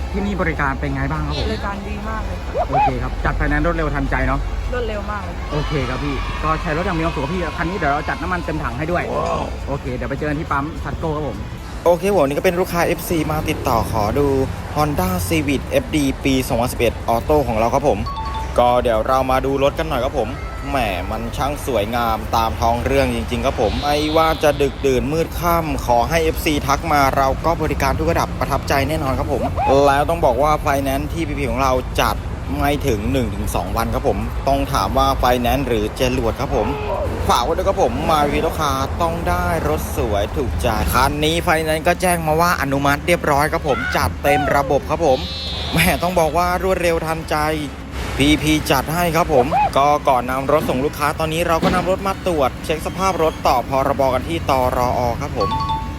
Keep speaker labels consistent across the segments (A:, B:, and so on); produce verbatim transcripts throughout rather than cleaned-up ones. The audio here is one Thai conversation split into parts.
A: ที่นี่บริการเป็นไงบ้างครับผม
B: บริการดีมากเลยค่ะ
A: โอเคครับจัดไฟแนนซ์รวดเร็วทันใจเนาะ
B: รวดเร็วมากเลย
A: โอเคครับพี่ก็ใช้รถอย่างมีความสุขพี่คันนี้เดี๋ยวเราจัดน้ำมันเต็มถังให้ด้วย wow. โอเคเดี๋ยวไปเจอกันที่ปั๊มทัตโก้ครับผม
C: โอเคผมนี่ก็เป็นลูกค้า เอฟ ซี มาติดต่อขอดู Honda Civic เอฟ ดี ปี สองพันสิบเอ็ด ออโต้ของเราครับผมก็เดี๋ยวเรามาดูรถกันหน่อยครับผมแหมมันช่างสวยงามตามท้องเรื่องจริงๆครับผมไม่ว่าจะดึกดื่นมืดค่ำขอให้ เอฟ ซี ทักมาเราก็บริการทุกระดับประทับใจแน่นอนครับผมแล้วต้องบอกว่าไฟแนนซ์ที่ พี พี ของเราจัดไม่ถึง หนึ่งถึงสอง วันครับผมต้องถามว่าไฟแนนซ์หรือเจรวดครับผมฝากไว้ด้วยครับผมมาวีลูกค้าต้องได้รถสวยถูกใจคันนี้ไฟแนนซ์ก็แจ้งมาว่าอนุมัติเรียบร้อยครับผมจัดเต็มระบบครับผมแหมต้องบอกว่ารวดเร็วทันใจ พี พี จัดให้ครับผมก็ก่อนนำรถส่งลูกค้าตอนนี้เราก็นำรถมาตรวจเช็คสภาพรถต่อพรบกันที่ตรอครับผม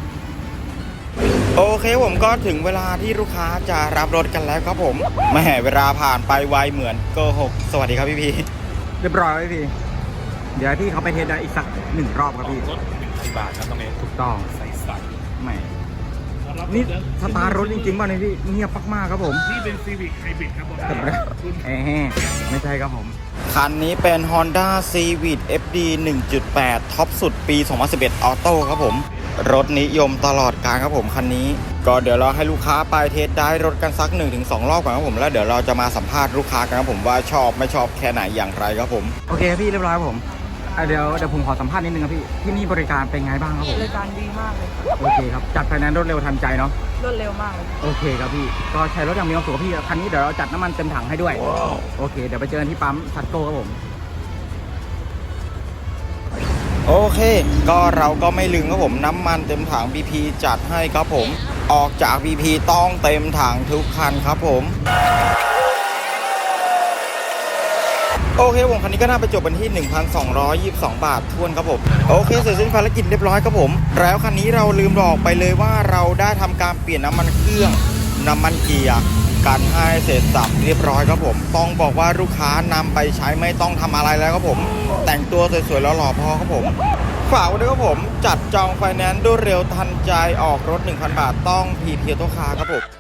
C: โอเคผมก็ถึงเวลาที่ลูกค้าจะรับรถกันแล้วครับผมแหมเวลาผ่านไปไวเหมือนโกหกสวัสดีครับพี่พี
A: เรียบร้อยพี่เดี๋ยวที่เขาไปเทสได้อีกสักหนึ่งรอบครับพี่
D: รถหนึ่งพันบาทครับน้องเอ
A: ถูกต้อง
D: ใส่ใส่
A: แหมนี่สตาร์ทรถจริงๆป่ะเนี่ยพี่เงียบมากๆครับผม
D: นี่เป็น Civic Hybrid ครับผม
A: เอ๊ะไม่ใช่ครับผม
C: คันนี้เป็น Honda Civic เอฟ ดี หนึ่งจุดแปด ท็อปสุดปี สองพันสิบเอ็ด ออโต้ครับผมรถนิยมตลอดกาลครับผมคันนี้ก็เดี๋ยวเราให้ลูกค้าไปเทสได้รถกันสัก หนึ่งถึงสอง รอบก่อนครับผมแล้วเดี๋ยวเราจะมาสัมภาษณ์ลูกค้ากันครับผมว่าชอบไม่ชอบแค่ไหนอย่างไรครับผม
A: โอเคพี่เรียบร้อยครับผมเดี๋ยวเดี๋ยวผมขอสัมภาษณ์นิดนึงครับพี่ที่นี่บริการเป็นไงบ้างครับผม
B: บริการดีมากเลยค่ะ
A: โอเคครับจัดไฟแนนซ์รวดเร็วทันใจเนาะ
B: รวดเร็วมากเลย
A: โอเคครับพี่ก็ใช้รถอย่างมีความสุขพี่คันนี้เดี๋ยวเราจัดน้ำมันเต็มถังให้ด้วย wow. โอเคเดี๋ยวไปเจอกันที่ปั๊มทัตโก้ครับผม
C: โอเคก็เราก็ไม่ลืมครับผมน้ำมันเต็มถัง บี พี จัดให้ครับผมออกจาก บี พี ต้องเต็มถังทุกคันครับผมโอเคผมคันนี้ก็น่าไปจบกันที่ หนึ่งพันสองร้อยยี่สิบสอง บาททวนครับผมโอเคเสร็จสิ้นภารกิจเรียบร้อยครับผมแล้วคันนี้เราลืมบอกไปเลยว่าเราได้ทำการเปลี่ยนน้ำมันเครื่องน้ำมันเกียร์กันให้เสร็จสับเรียบร้อยครับผมต้องบอกว่าลูกค้านำไปใช้ไม่ต้องทำอะไรแล้วครับผมแต่งตัวสวยๆแล้วหล่อพอครับผมฝากไว้ด้วยครับผมจัดจองไฟแนนซ์ด้วยเร็วทันใจออกรถ หนึ่งพัน บาทต้องพี พี โตคาร์ครับผม